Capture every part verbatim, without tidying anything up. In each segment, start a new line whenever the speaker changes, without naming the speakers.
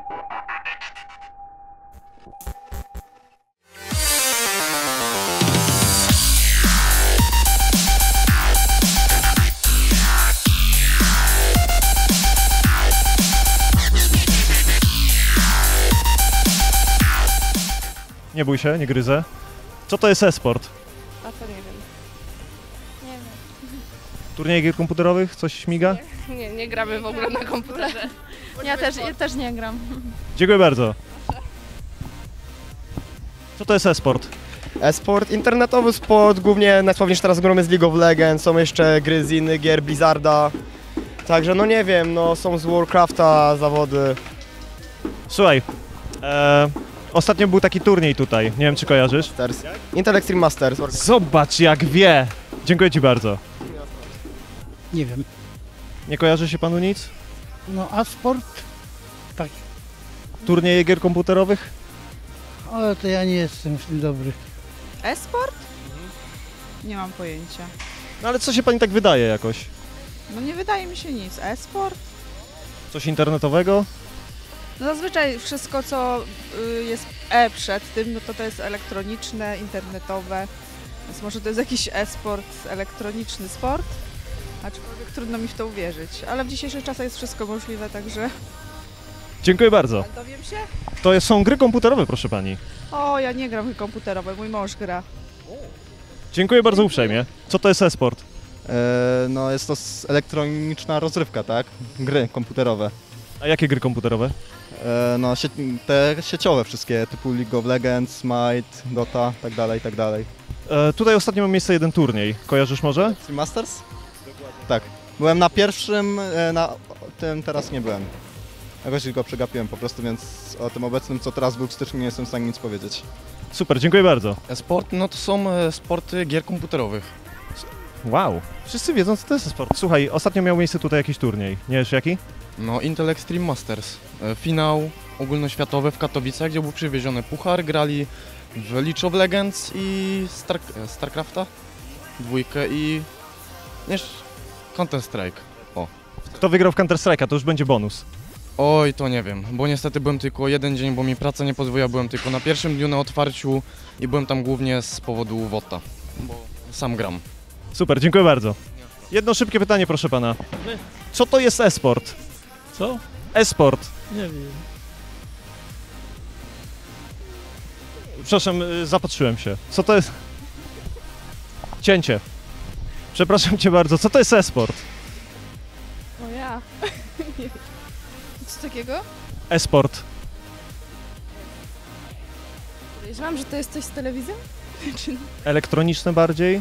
Nie bój się, nie gryzę. Co to jest e-sport?
A to nie wiem. Nie wiem.
Turniej gier komputerowych? Coś śmiga?
Nie, nie gramy w ogóle na komputerze. Ja też, ja też nie gram.
Dziękuję bardzo. Co to jest e-sport?
E-sport, internetowy sport, głównie najsławniejsze teraz gramy z League of Legends, są jeszcze gry z innych gier, Blizzarda. Także no nie wiem, no są z Warcrafta zawody.
Słuchaj, e, ostatnio był taki turniej tutaj, nie wiem czy kojarzysz.
Masters. Intel Extreme Masters.
Zobacz jak wie! Dziękuję ci bardzo.
Nie wiem.
Nie kojarzy się panu nic?
No a sport? Tak.
Turnieje gier komputerowych?
Ale to ja nie jestem w tym dobry.
E-sport? Nie mam pojęcia.
No ale co się pani tak wydaje jakoś?
No nie wydaje mi się nic. E-sport?
Coś internetowego?
No zazwyczaj wszystko, co y, jest E przed tym, no to to jest elektroniczne, internetowe. Więc może to jest jakiś e-sport, elektroniczny sport. Aczkolwiek trudno mi w to uwierzyć. Ale w dzisiejszych czasach jest wszystko możliwe, także...
Dziękuję bardzo.
Dowiem się?
To są gry komputerowe, proszę pani.
O, ja nie gram w gry komputerowe, mój mąż gra.
Dziękuję bardzo uprzejmie. Co to jest e-sport?
E, no jest to s- elektroniczna rozrywka, tak? Gry komputerowe.
A jakie gry komputerowe?
E, no sie- te sieciowe wszystkie, typu League of Legends, Smite, Dota, tak dalej, tak dalej.
E, tutaj ostatnio ma miejsce jeden turniej. Kojarzysz może?
Extreme Masters? Dokładnie. Tak. Byłem na pierwszym, e, na tym teraz nie byłem. Jakoś go przegapiłem po prostu, więc o tym obecnym, co teraz był w styczniu, nie jestem w stanie nic powiedzieć.
Super, dziękuję bardzo.
Sport, no to są e, sporty gier komputerowych.
Wow, wszyscy wiedzą co to jest e-sport. Słuchaj, ostatnio miał miejsce tutaj jakiś turniej. Nie wiesz jaki?
No Intel Extreme Masters. E, finał ogólnoświatowy w Katowicach, gdzie był przywieziony puchar, grali w League of Legends i Star, e, Starcrafta, dwójkę i jeszcze Counter Strike. O.
Kto wygrał w Counter Strike'a, to już będzie bonus.
Oj, to nie wiem, bo niestety byłem tylko jeden dzień, bo mi praca nie pozwoliła, byłem tylko na pierwszym dniu na otwarciu i byłem tam głównie z powodu WOTA, bo sam gram.
Super, dziękuję bardzo. Jedno szybkie pytanie, proszę pana. Co to jest e-sport?
Co?
E-sport.
Nie wiem.
Przepraszam, y, zapatrzyłem się. Co to jest? Cięcie. Przepraszam cię bardzo, co to jest e-sport?
O ja. Nie. Co takiego?
E-sport.
Podejrzewam, że to jest coś z telewizją? Czy...
Elektroniczne bardziej?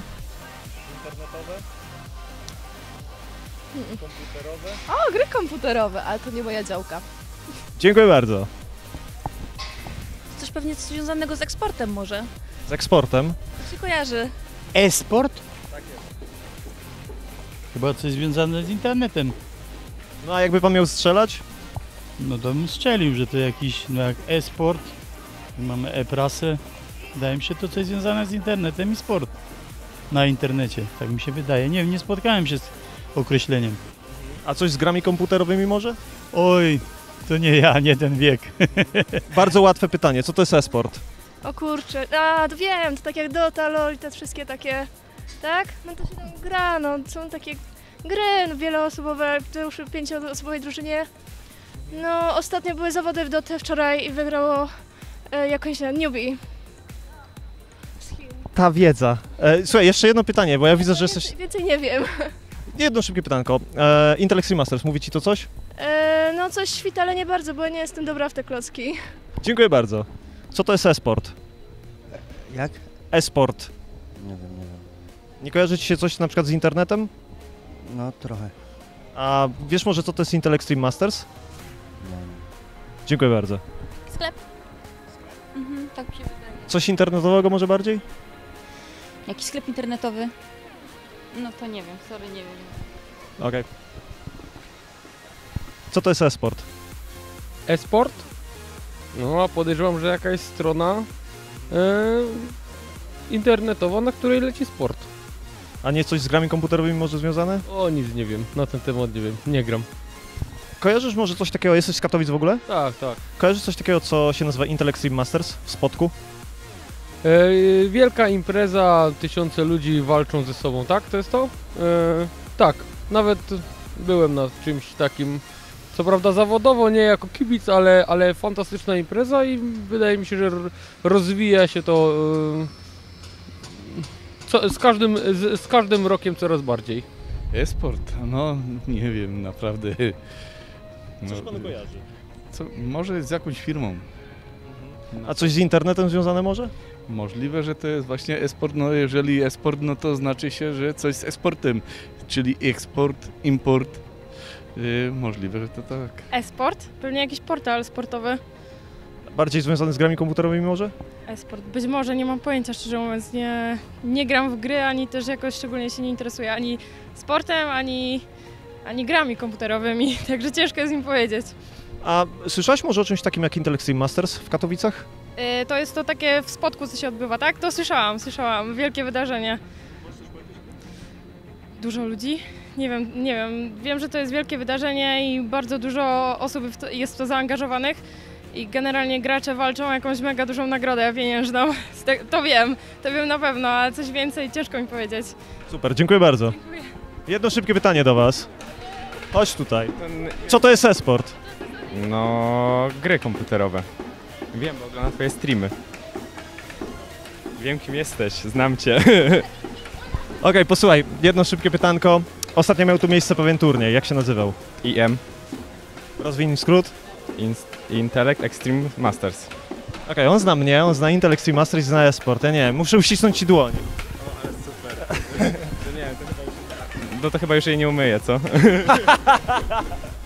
Komputerowe? O, gry komputerowe, ale to nie moja działka.
Dziękuję bardzo.
Coś pewnie związanego z eksportem może.
Z eksportem?
To się kojarzy.
E-sport? Tak jest. Chyba coś związane z internetem.
No a jakby pan miał strzelać?
No to bym strzelił, że to jakiś, no jak e-sport. Mamy e-prasę. Wydaje mi się to coś związane z internetem i sport. Na internecie, tak mi się wydaje. Nie wiem, nie spotkałem się z określeniem.
A coś z grami komputerowymi może?
Oj, to nie ja, nie ten wiek.
Bardzo łatwe pytanie, co to jest e-sport?
O kurczę, a to wiem, to tak jak Dota, LoL i te wszystkie takie, tak? No to się tam gra, no są takie gry no, wieloosobowe, to już w pięcioosobowej drużynie. No ostatnio były zawody w Dotę wczoraj i wygrało e, jakąś na newbie.
Ta wiedza. E, słuchaj, jeszcze jedno pytanie, bo ja widzę, że
Więcej,
jesteś...
więcej nie wiem.
Jedno szybkie pytanko. E, Intel Extreme Masters, mówi ci to coś?
E, no coś świta, ale nie bardzo, bo nie jestem dobra w te klocki.
Dziękuję bardzo. Co to jest e-sport?
Jak?
E-sport.
Nie wiem, nie wiem.
Nie kojarzy ci się coś na przykład z internetem?
No trochę.
A wiesz może co to jest Intel Extreme Masters?
Nie wiem.
Dziękuję bardzo.
Sklep. Mhm, tak mi się wydaje.
Coś internetowego może bardziej?
Jakiś sklep internetowy? No to nie wiem, sorry, nie wiem.
Okej. Okay. Co to jest e-sport?
E-sport? No, a podejrzewam, że jakaś strona e, internetowa, na której leci sport.
A nie coś z grami komputerowymi może związane?
O, nic nie wiem, na ten temat nie wiem, nie gram.
Kojarzysz może coś takiego, jesteś z Katowic w ogóle?
Tak, tak.
Kojarzysz coś takiego, co się nazywa Intel Extreme Masters w Spodku?
E, wielka impreza, tysiące ludzi walczą ze sobą, tak? To jest to? E, tak, nawet byłem na czymś takim, co prawda zawodowo, nie jako kibic, ale, ale fantastyczna impreza i wydaje mi się, że r- rozwija się to e, co, z, każdym, z, z każdym rokiem coraz bardziej.
E-sport? No nie wiem, naprawdę. No,
Coś panu kojarzy?
co, może z jakąś firmą.
A coś z internetem związane może?
Możliwe, że to jest właśnie e-sport. No jeżeli e-sport, no to znaczy się, że coś z e-sportem, czyli eksport, import. Yy, możliwe, że to tak.
E-sport? Pewnie jakiś portal sportowy.
Bardziej związany z grami komputerowymi może?
E-sport. Być może, nie mam pojęcia, szczerze mówiąc. Nie, nie gram w gry, ani też jakoś szczególnie się nie interesuję ani sportem, ani, ani grami komputerowymi, także ciężko jest mi powiedzieć.
A słyszałaś może o czymś takim jak Intel Extreme Masters w Katowicach?
Yy, to jest to takie w Spodku, co się odbywa, tak? To słyszałam, słyszałam. Wielkie wydarzenie. Dużo ludzi? Nie wiem, nie wiem. Wiem, że to jest wielkie wydarzenie i bardzo dużo osób w to, jest w to zaangażowanych i generalnie gracze walczą o jakąś mega dużą nagrodę pieniężną. To wiem, to wiem na pewno, a coś więcej ciężko mi powiedzieć.
Super, dziękuję bardzo.
Dziękuję.
Jedno szybkie pytanie do was. Chodź tutaj. Co to jest e-sport?
No, gry komputerowe. Wiem, bo oglądam twoje streamy. Wiem, kim jesteś, znam cię.
Okej, posłuchaj, jedno szybkie pytanko. Ostatnio miał tu miejsce pewien turniej, jak się nazywał?
I M.
Rozwinij skrót.
Inst- Intellect Extreme Masters.
Okej, on zna mnie, on zna Intel Extreme Masters i zna e-sport. Ja nie wiem, muszę uścisnąć ci dłoń.
O, ale super. To nie wiem, to chyba już... No to chyba już jej nie umyję, co?